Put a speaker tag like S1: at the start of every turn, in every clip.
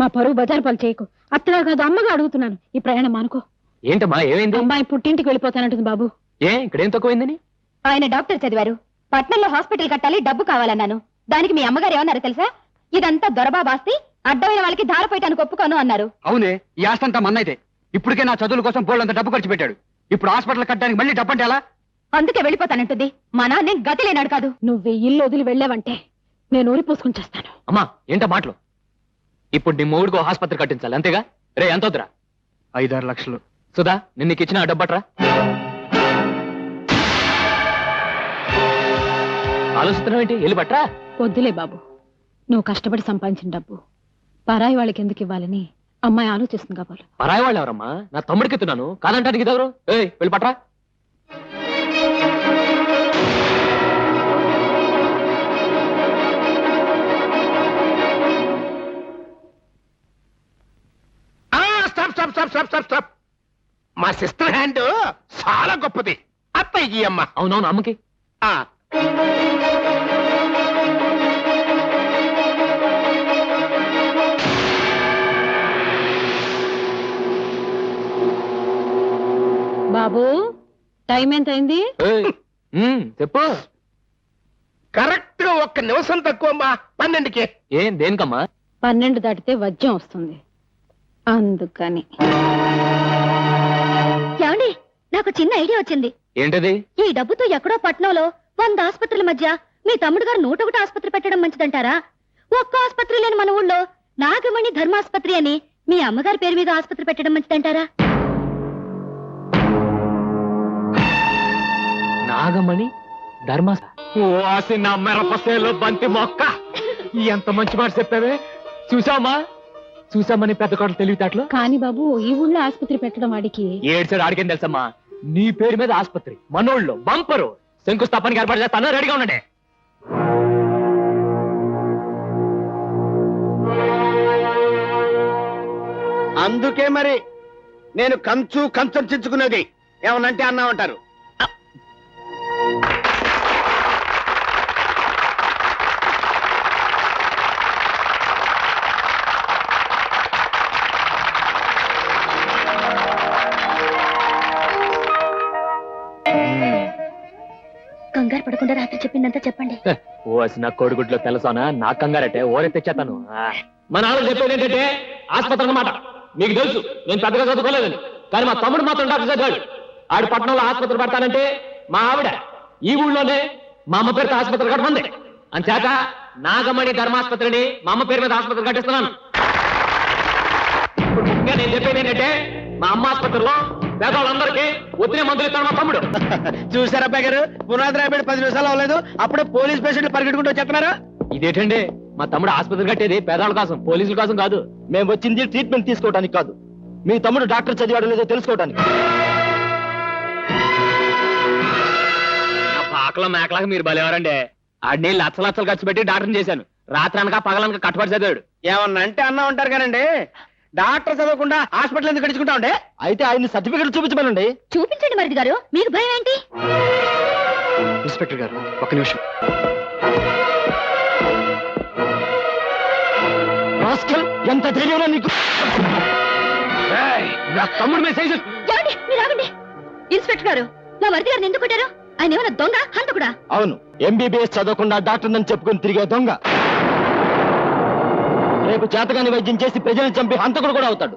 S1: మా పరువు బజారు పాలు చేయకు. అత్తగా కాదు అమ్మగా అడుగుతున్నాను, ఈ ప్రయాణం అనుకో.
S2: ఏంటమ్మా ఏమైంది?
S1: అమ్మాయి పుట్టింటికి వెళ్ళిపోతానంటుంది బాబు.
S2: ఇక్కడేం తక్కువైందని?
S3: ఆయన డాక్టర్ చదివారు, పట్నంలో హాస్పిటల్ కట్టాలి, డబ్బు కావాలన్నాను. దానికి మీ అమ్మగారు ఏమన్నారు తెలుసా? ఇదంతా దొరబాబాస్తి, అడ్డమైన వాళ్ళకి ధారపోయటానికి ఒప్పుకోను అన్నారు.
S4: అవునే, ఈ ఆస్తంతా మన్నైతే. ఇప్పటికే నా చదువుల కోసం బోళ్ళంత డబ్బు ఖర్చు పెట్టాడు. ఇప్పుడు హాస్పిటల్ కట్టడానికి మళ్ళీ డబ్బు అంటే ఎలా?
S3: అందుకే వెళ్ళిపోతానంటుంది. మా నాన్న గతి లేనాడు కాదు.
S1: నువ్వు ఇల్లు వదిలి వెళ్ళావంటే నేను ఊరి పోసుకుని చేస్తాను.
S2: అమ్మా ఏంటో మాటలు? ఇప్పుడు నీ మూడుకో ఆసుపత్రి కట్టించాలి అంతేగా? రే ఎంత వద్దురా?
S4: 5-6 లక్షలు.
S2: సుధా నిన్న నీకు ఇచ్చిన డబ్బట్రా. ఆలోచిస్తున్నావు ఏంటి? వెళ్ళి పట్రా.
S1: వద్దులే బాబు, నువ్వు కష్టపడి సంపాదించిన డబ్బు పరాయి వాళ్ళకి ఎందుకు ఇవ్వాలని అమ్మాయి ఆలోచిస్తుంది కాబోలు.
S2: పరాయి వాళ్ళు ఎవరమ్మా? నా తమ్ముడికి ఎత్తున్నాను కాదంటానికి ఇదెవరు? వెళ్ళి పట్రా.
S5: మా సిస్టర్ హ్యాండ్ చాలా గొప్పది. అత్తయ్యకి అమ్మ.
S2: అవునవును అమ్మకి.
S1: బాబు టైం ఎంత అయింది?
S2: చెప్పు.
S5: కరెక్ట్ గా 1 నిమిషం తక్కువ అమ్మా. 12కి.
S2: ఏం దేనికమ్మా?
S1: 12 దాటితే వజ్యం వస్తుంది, అందుకని.
S3: ఏమండి, నాకు చిన్న ఐడియా వచ్చింది.
S2: ఏంటది?
S3: ఈ డబ్బుతో ఎక్కడో పట్నంలో 100 ఆసుపత్రుల మధ్య మీ తమ్ముడు గారు 101 ఆసుపత్రి పెట్టడం మంచిదంటారా? ఒక్క ఆసుపత్రి లేని మన ఊళ్ళో నాగమణి ధర్మాసుపత్రి అని మీ అమ్మగారి పేరు మీద ఆసుపత్రి పెట్టడం మంచిదంటారా?
S2: నాగమణి ధర్మా మెరపసేలో బంతి మొక్క. ఎంత మంచి మాట చెప్పావే. చూసామని పెద్ద కోటలు తెలివితేటలు.
S1: కానీ బాబు, ఈ ఊళ్ళో ఆసుపత్రి పెట్టడం వాడికి
S2: ఏడ్చాడు. ఆడికేం తెలుసమ్మా? నీ పేరు మీద ఆసుపత్రి మనోళ్ళు బంపరు శంకుస్థాపనకి ఏర్పాటు చేస్తాను. రెడీగా ఉండండి.
S5: అందుకే మరి నేను కంచం చించుకునేది. ఏమనంటే అన్నామంటారు.
S3: కంగారు పడకుండా రాత్రి చెప్పిందంతా చెప్పండి.
S2: నా కోడిగుడ్లో తెలుసానా? నా కంగారటే ఓరే తెచ్చేతాను. మా నాన్న చెప్పేది ఏంటంటే ఆసుపత్రి అన్నమాట. మీకు తెలుసు నేను పెద్దగా చదువుకోలేదని, కానీ మా తమ్ముడు మాత్రం డాక్టర్ చదివాడు. ఆడు పట్టణంలో ఆసుపత్రి పడతానంటే మా ఆవిడ ఈ ఊళ్ళోనే మా అమ్మ పేరుతో ఆసుపత్రి కట్టమంది. అంచేత నాగమణి ధర్మాసుపత్రిని మా అమ్మ పేరు మీద ఆసుపత్రి కట్టిస్తున్నాను. ఇప్పుడు ముఖ్యంగా నేను చెప్పేది ఏంటంటే మా అమ్మ ఆసుపత్రిలో పేదవాళ్ళందరికీ ఒత్తిడి మందులు ఇస్తాడు మా తమ్ముడు.
S5: చూసారా అబ్బాయి గారు, పునాది రాబడి 10 నిమిషాలు అవ్వలేదు, అప్పుడే పోలీస్ పేషెంట్లు పరిగెట్టుకుంటూ వచ్చేస్తున్నారా?
S2: ఇదేంటండి? మా తమ్ముడు ఆసుపత్రి కట్టేది పేదవాళ్ళ కోసం, పోలీసుల కోసం కాదు.
S4: మేము వచ్చింది ట్రీట్మెంట్ తీసుకోవడానికి కాదు, మీ తమ్ముడు డాక్టర్ చదివాడు లేదో తెలుసుకోవడానికి.
S2: నా పాకలో మేకలాగా మీరు బలేవారండి. ఆడిని లచ్చలు ఖర్చు పెట్టి డాక్టర్ని చేశాను. రాత్రి అనక పగలనక కట్టుబడి చదివాడు.
S5: ఏమన్నా అంటే అన్నా ఉంటారు కానండి. డాక్టర్ చదవకుండా హాస్పిటల్ ఎందుకు గడుచుకుంటా ఉండే?
S4: అయితే ఆయన సర్టిఫికెట్ చూపించమనండి.
S3: చూపించండి మరిది గారు, మీకు భయం ఏంటి?
S4: ఇన్స్పెక్టర్ గారు 1 నిమిషం. ఎంత ధైర్యంలో నీకు?
S2: నా తమ్ముడు మెసేజ్.
S3: మీరు ఆగండి. ఇన్స్పెక్టర్ గారు, నా మరిది గారిని ఎందుకు కొట్టారు? ఆయన ఏమైనా దొంగ హంతకుడా?
S4: అవును, ఎంబీబీఎస్ చదవకుండా డాక్టర్ నన్ను చెప్పుకుని తిరిగే దొంగ. రేపు చేతగాని వైద్యం చేసి ప్రజల్ని చంపి హంతకుడు కూడా అవుతాడు.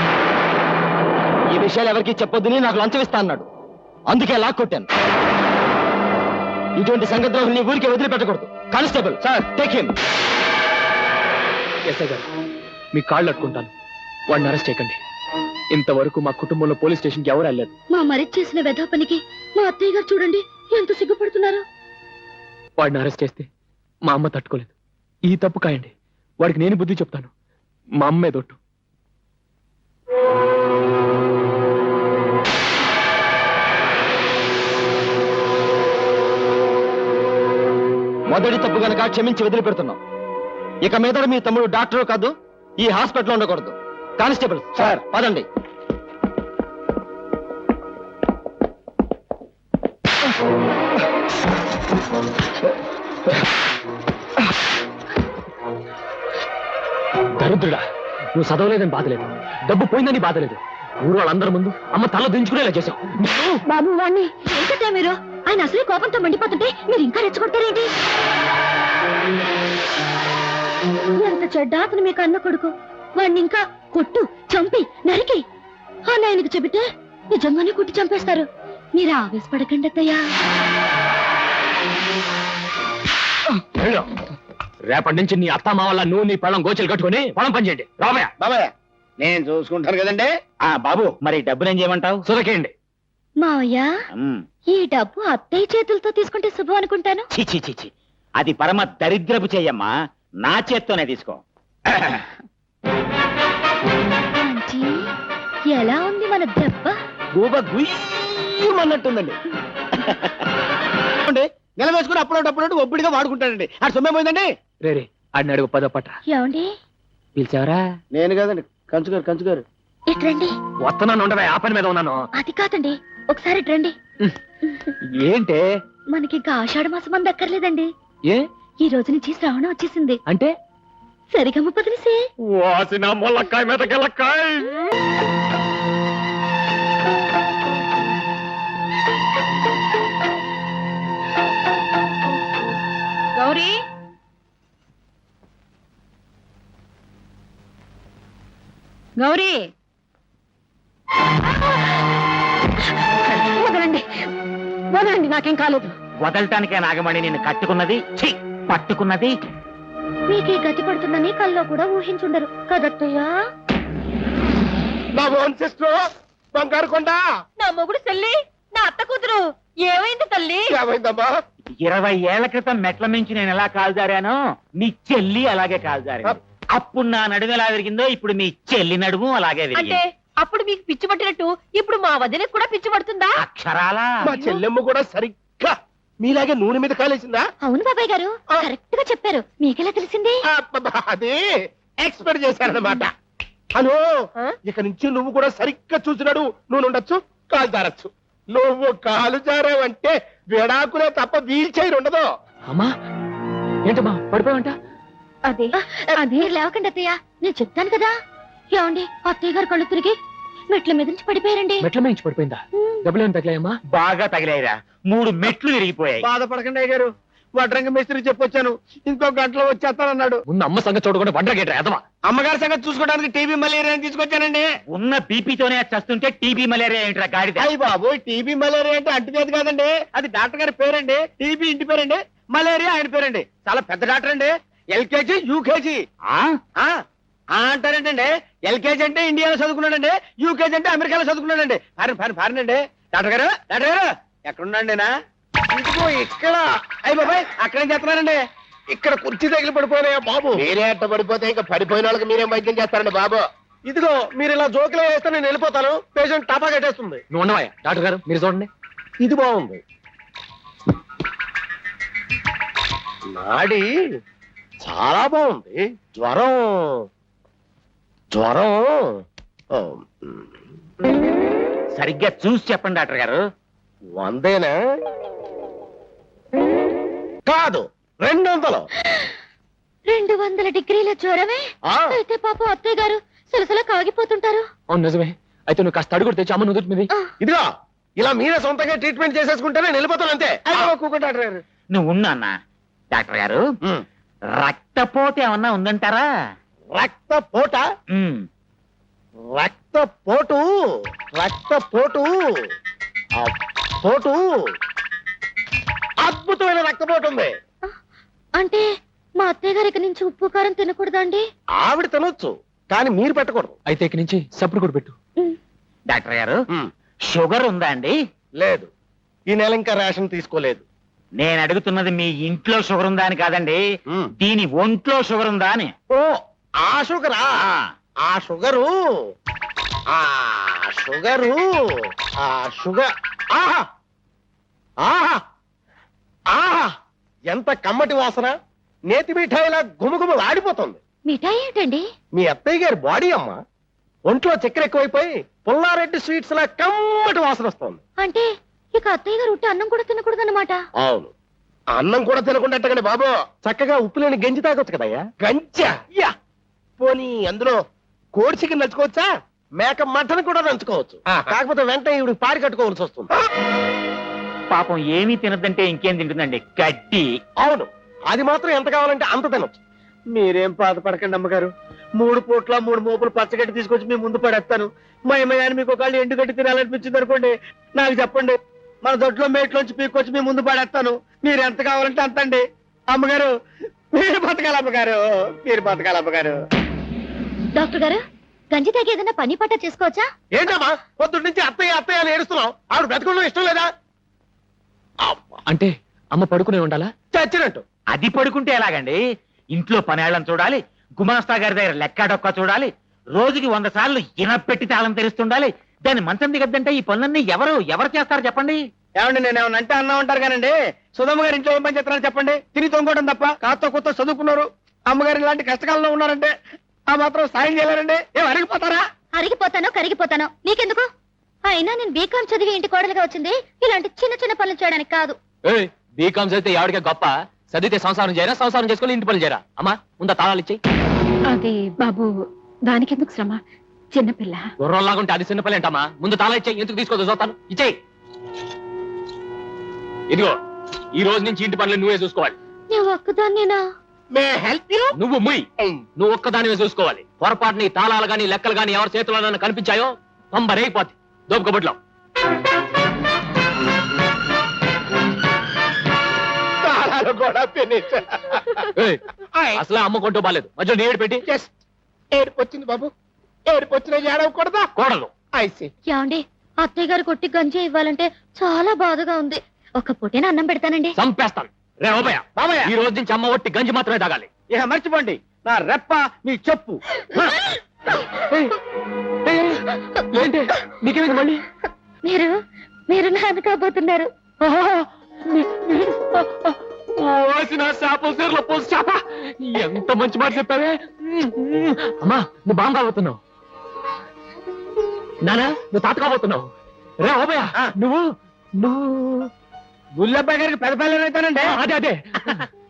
S4: ఈ విషయాలు ఎవరికి చెప్పొద్దని నాకు లంచం ఇస్తా అన్నాడు, అందుకే లాక్కొట్టాను. ఇటువంటి సంగద్రోహుల్ని ఊరికే వదిలిపెట్టకూడదు. Constable sir, take him.
S2: SI గారు, మీ కాళ్ళు అట్టుకుంటాను, వాడిని అరెస్ట్ చేయకండి. ఇంతవరకు మా కుటుంబంలో పోలీస్ స్టేషన్కి ఎవరు వెళ్ళలేదు.
S3: మా మరిది చేసిన వెధవ పనికి మా అత్తయ్య గారు చూడండి ఎంత సిగ్గుపడుతున్నారు.
S2: వాడిని అరెస్ట్ చేస్తే మా అమ్మ తట్టుకోలేదు. ఈ తప్పు కాయండి, వాడికి నేను బుద్ధి చెప్తాను. మా అమ్మే దొట్టు.
S4: మొదటి తప్పు గనక క్షమించి వదిలిపెడుతున్నాం. ఇక మీద మీ తమ్ముడు డాక్టర్ కాదు, ఈ హాస్పిటల్లో ఉండకూడదు. కానిస్టేబుల్ సార్, పదండి.
S2: దరిద్రుడా, నువ్వు చదవలేదని బాధ లేదు, డబ్బు పోయిందని బాధ లేదు. ఊరు వాళ్ళందరి ముందు అమ్మ తల దించుకునేలా చేశావు.
S3: బాబు వాణ్ణి ఏంటంటే మీరు ఆయన అసలే కోపంతో మండిపోతుంటే మీరు ఇంకా రెచ్చగొట్టారేంటి? ఎంత చెడ్డ అతను మీకు అన్న కొడుకు. వాణ్ణి ఇంకా కొట్టు, చంపి, నరికి అని ఆయనకు చెబితే నిజంగానే కొట్టి చంపేస్తారు. మీరు ఆవేశపడకండి అత్తయ్యా.
S2: వెళ్ళు. రేపటి నుంచి నీ అత్త మా వల్ల నువ్వు నీ పళ్ళం గోచలు కట్టుకుని పొలం పనిచేయండి. రామయ్య
S5: బాబాయ్ నేను చూసుకుంటాను కదండి. బాబు మరి డబ్బులు ఏం చేయమంటావు?
S2: సురకేయండి.
S3: మావయ్య ఈ డబ్బు అత్తయ్య చేతులతో తీసుకుంటే శుభం అనుకుంటాను.
S6: చిచి చిచి అది పరమ దరిద్రపు చెయ్యమ్మా, నా చేత్తోనే తీసుకో.
S3: ఆంటీ, ఎలా ఉంది మన దెబ్బ?
S5: గూబ గుయ్యమన్నట్టుందండి. నెల వేసుకుని అప్పుడప్పుడు ఒబ్బిడిగా వాడుకుంటాడండి. ఆ సొమ్మే పోయిందండి.
S2: రే ఆడిని అడుగు పదో పట్ట.
S3: ఏమండి
S2: పిలిచావరా?
S5: నేను కదండి, కంచుగారు.
S3: ఇట్రండి.
S2: వస్తున్నాను, ఉండవే, ఆ పని మీద ఉన్నాను.
S3: అది కాదండి, ఒకసారి ఇట్రండి.
S2: ఏంటే?
S3: మనకి ఇంకా ఆషాఢ మాసం అంత అక్కర్లేదండి.
S2: ఏ
S3: ఈ రోజు నుంచి శ్రావణం వచ్చేసింది.
S2: అంటే?
S3: సరిగమ్మ పదిలిసే.
S2: వాసిన మొల్లకాయ మీద గెలక్కాయ.
S1: గౌరీ, గౌరీ, వదలండి, వదలండి, నాకేం కాలేదు.
S6: వదలటానికే నాగమణి నిన్ను కట్టుకున్నది, ఛీ పట్టుకున్నది.
S3: మీకే గతి పడుతుందని కల్లో కూడా ఊహించుండరు కదత్తయ్యా.
S5: నా ఓన్ సిస్టర్ బంగారు కొండ.
S1: నా మొగుడు తల్లి, నా అత్త కూతురు ఏమైంది తల్లి?
S5: ఏమైందమ్మా?
S6: 20 ఏళ్ల క్రితం మెట్ల మించి నేను ఎలా కాల్జారానో నీ చెల్లి అలాగే కాల్జారింది. అప్పుడు నా నడుము ఎలా విరిగిందో ఇప్పుడు మీ చెల్లి నడుము అలాగే
S1: అంటే
S6: విరిగింది.
S1: అప్పుడు మీకు పిచ్చి పట్టినట్టు ఇప్పుడు మా వదినకి కూడా పిచ్చి పడుతుందా?
S6: అక్షరాలా
S5: మా చెల్లెమ్మ కూడా సరిగ్గా మీలాగే నూనె మీద కాలేసిందా?
S3: అవును బాబాయ్ గారు, కరెక్ట్ గా చెప్పారు. మీకెలా తెలిసింది?
S5: అది ఎక్స్పెక్ట్ చేశారన్నమాట. హలో, ఇక నుంచి నువ్వు కూడా సరిగ్గా చూసినాడు. నువ్వు ఉండొచ్చు, కాలు జారచ్చు. నువ్వు కాలు జారావంటే విడాకులే తప్ప వీల్ చైర్ ఉండదు.
S2: అమ్మా ఏంటమ్మా పడిపోయావంట?
S3: అదే అదే లేవకండి అత్తయ్య, నేను చెప్తాను కదా. ఏమండి, అత్తయ్య గారు కళ్ళు తిరిగి మెట్ల మీద నుంచి పడిపోయారండి.
S2: మెట్ల మించి పడిపోయిందా? డబ్బులేమి తగిలాయమ్మా?
S6: బాగా తగిలాయిరా, 3 మెట్లు విరిగిపోయాయి.
S5: బాధపడకండి అయ్య గారు, వడ్రంగ మేస్త్రి చెప్పొచ్చాను, ఇంకో గంటలో వచ్చేస్తానన్నాడు.
S2: ముందు అమ్మ సంగతి చూడకుండా వండగేట్రా ఎదవా.
S5: అమ్మగారి సంగతి చూసుకోవడానికి టీబీ మలేరియా తీసుకొచ్చానండి.
S6: ఉన్న బీపీతోనే చస్తుంటే టీబీ మలేరియా ఏంట్రా గాడిద?
S5: అయ్యి బాబు, టీబీ మలేరియా అంటే అంటువ్యాధి కాదండి, అది డాక్టర్ గారి పేరండి. టీబీ ఇంటి పేరండి, మలేరియా ఆయన పేరండి. చాలా పెద్ద డాక్టర్ అండి. LKG UKG అంటారంటండి. ఎల్కేజీ అంటే ఇండియాలో చదువుకున్నాడండి, యూకేజీ అంటే అమెరికాలో చదువుకున్నాడండి. ఫారినండి. డాక్టర్ గారు ఎక్కడున్నాండి? ఇదిగో ఇక్కడ. అయ్యి బాబాయ్, అక్కడేం చేస్తున్నారండి? ఇక్కడ కుర్చీ తగిలి పడిపోయినాయా బాబు? మీరే అట్ట పడిపోతే ఇంకా పడిపోయిన వాళ్ళకి మీరేం వైద్యం చేస్తారండి బాబు? ఇదిగో మీరు ఇలా జోకులే వేస్తే నేను వెళ్ళిపోతాను. పేషెంట్ టపా కట్టేస్తుంది.
S2: నువ్వు ఉండవా డాక్టర్ గారు, మీరు చూడండి.
S5: ఇది బాగుంది. నాడి చాలా బాగుంది. జ్వరం ఓ,
S6: సరిగ్గా చూసి చెప్పండి డాక్టర్ గారు.
S5: 100 కాదు 200.
S3: 200 డిగ్రీల జ్వరమే?
S5: ఆ.
S3: అయితే పాపం అత్తయ్య గారు సలసల కాగిపోతుంటారు.
S2: అవును నిజమే. అయితే నువ్వు కాస్త అడుగుడు తెచ్చి అమ్మ నుదుటి మీద.
S5: ఇదిగో ఇలా మీరే సొంతంగా ట్రీట్మెంట్ చేసేసుకుంటే నేను వెళ్ళిపోతాను అంతే. డాక్టర్ గారు
S6: నువ్వు ఉన్నా డాక్టర్ గారు, రక్తపోటు ఏమన్నా ఉందంటారా?
S5: రక్తపోట
S6: ఉమ్.
S5: రక్తపోటు పోటు అద్భుతమైన రక్తపోటు ఉంది.
S3: అంటే మా అత్తయ్య గారి నుంచి ఉప్పు కారం తినకూడదండి?
S5: ఆవిడ తినొచ్చు, కానీ మీరు పెట్టకూడదు.
S2: అయితే ఇక నుంచి సప్పుడు కూడా పెట్టు.
S6: డాక్టర్ గారు, షుగర్ ఉందా అండి?
S5: లేదు, ఈ నెల ఇంకా రేషన్ తీసుకోలేదు.
S6: నేను అడుగుతున్నది మీ ఇంట్లో షుగర్ ఉందా అని కాదండి, దీని ఒంట్లో షుగర్ ఉందా అని.
S5: ఓ ఆ షుగరా? ఆ షుగరు ఆహా ఆహా ఆహా ఎంత కమ్మటి వాసన! నేతి మిఠాయిలా గుమగుమ ఆడిపోతుంది.
S3: మిఠాయి ఏంటండి?
S5: మీ అత్తయ్య గారి బాడీ అమ్మ. ఒంట్లో చక్కెర ఎక్కువైపోయి పుల్లారెడ్డి స్వీట్స్ లా కమ్మటి వాసన వస్తుంది.
S3: అంటే ఇక అత్తయ్య గారు ఉట్టి అన్నం కూడా తినకూడదన్నమాట?
S5: అవును, అన్నం కూడా తినకుండా బాబు చక్కగా ఉప్పు లేని గంజి తాగొచ్చు కదయ్యా. గంజా? యా పోనీ అందులో కోడి చికెన్ నంచుకోవచ్చా?
S7: మేక మటన్ కూడా నంచుకోవచ్చు. కాకపోతే వెంటనే ఇవి పారి కట్టుకోవాల్సి వస్తుంది.
S6: పాపం ఏమీ తినదంటే ఇంకేం తింటుందండి? గడ్డి.
S7: అవును, అది మాత్రం ఎంత కావాలంటే అంత తినొచ్చు.
S5: మీరేం బాధపడకండి అమ్మగారు. 3 పూట్ల 3 మోపులు పచ్చగడ్డి తీసుకొచ్చి మీ ముందు పడేస్తాను. మా అమ్మగారిని మీకు ఒకళ్ళు ఎండుగడ్డి తినాలనిపించింది అనుకోండి, నాకు చెప్పండి. మన దొడ్లో మేట్లోంచి పీక్కొచ్చి మీ ముందు పడేస్తాను. మీరు ఎంత కావాలంటే అంత అండి. అమ్మగారు మీరు బతకాలి, అమ్మగారు మీరు బతకాలి, అమ్మగారు.
S3: డాక్టర్ గారు, గంజి తాగి ఏదైనా పని పట్ట చేసుకోవచ్చా?
S7: ఏంటమ్మా పొద్దున్న నుంచి అత్తయ్య అత్తయ్య అని ఏడుస్తున్నావు? ఆవిడ బ్రతకడం ఇష్టం లేదా?
S2: అంటే అమ్మ పడుకునే ఉండాలా?
S7: చచ్చినట్టు.
S6: అది పడుకుంటే ఎలాగండి? ఇంట్లో పనేళ్ళని చూడాలి, గుమాస్తా గారి దగ్గర లెక్క డొక్క చూడాలి, రోజుకి 100 సార్లు ఇనపెట్టి తాళం తెరుస్తుండాలి. దాన్ని మంచం దిగద్దంటే ఈ పనులన్నీ ఎవరు చేస్తారు చెప్పండి?
S5: ఏమండి, నేను ఏమన్నా అంటే అన్నా ఉంటారు కానండి. సుధమ్మ గారు ఇంట్లో ఏం పని చేస్తున్నారని చెప్పండి. తిని తొంగోవడం తప్ప. కాస్త కొత్త చదువుకున్నారు. అమ్మగారు ఇలాంటి కష్టకాలంలో ఉన్నారంటే ఆ మాత్రం సాయం చేయలేరండి. ఏం అరిగిపోతారా?
S3: అరిగిపోతానో కరిగిపోతానో నీకెందుకు? అయినా నేను బీకాం చదివి ఇంటి కోడలుగా వచ్చింది ఇలాంటి చిన్న చిన్న పనులు చేయడానికి కాదు.
S2: బీకాం చదివితే ఎవరికే గొప్ప? చదివితే సంసారం చేయరా, సంసారం చేసుకుని ఇంటి పనులు చేయరా? అమ్మా ముందా తాళాలు ఇచ్చేయి.
S1: అది బాబు, దానికెందుకు శ్రమ? చిన్నపిల్ల.
S2: గుర్రంలాగుంటే అది చిన్నపల్లి అంటమ్మా. ముందు తాళా ఇచ్చేయి. ఎందుకు తీసుకోదు చూస్తాను. ఇచ్చేయి. ఇదిగో, ఈ రోజు నుంచి ఇంటి పనులు నువ్వే చూసుకోవాలి.
S3: నేను ఒక్కదాన్నేనా?
S7: May help you?
S2: నువ్వు ముయ్. నువ్వు ఒక్కదానివే చూసుకోవాలి. పొరపాటు నీ తాళాలు గాని లెక్కలు గాని ఎవరి చేతిలో కనిపించాయో పంబరేగిపోద్ది. దోపుకబుట్లో
S7: తాళాలు కూడా ఫినిష్.
S2: అసలే అమ్మ కొంటూ బాలేదు. మధ్యలో నీడు పెట్టి
S7: జస్ట్ ఏడుపు వచ్చింది బాబు. ఏడుపు వచ్చిన ఏడవకూడదా?
S2: కోడలు
S7: ఐసి.
S3: యాండి, అత్తయ్య గారు కొట్టి గంజి ఇవ్వాలంటే చాలా బాధగా ఉంది. ఒక పూటేనా అన్నం పెడతానండి.
S2: చంపేస్తాను. రే ఓబయ్య,
S5: బాబయ్య,
S2: ఈ రోజు నుంచి అమ్మ ఒట్టి గంజి మాత్రమే తాగాలి.
S5: ఇక మర్చిపోండి. నా రెప్ప మీ చెప్పు.
S2: ఏంటి నీకేమైంది మళ్ళీ?
S3: మీరు నాన్న కాబోతున్నారు.
S2: ఓసిన చేప సీరలో పోసి చేప. ఎంత మంచి మాట చెప్పావే. అమ్మా నువ్వు బాగా కాబోతున్నావు. నానా నువ్వు తాత కాబోతున్నావు. రే ఓబయ్య, నువ్వు
S5: గుల్లబ్బాయి గారికి పెద్ద పిల్లలు అవుతానండి.
S2: అదే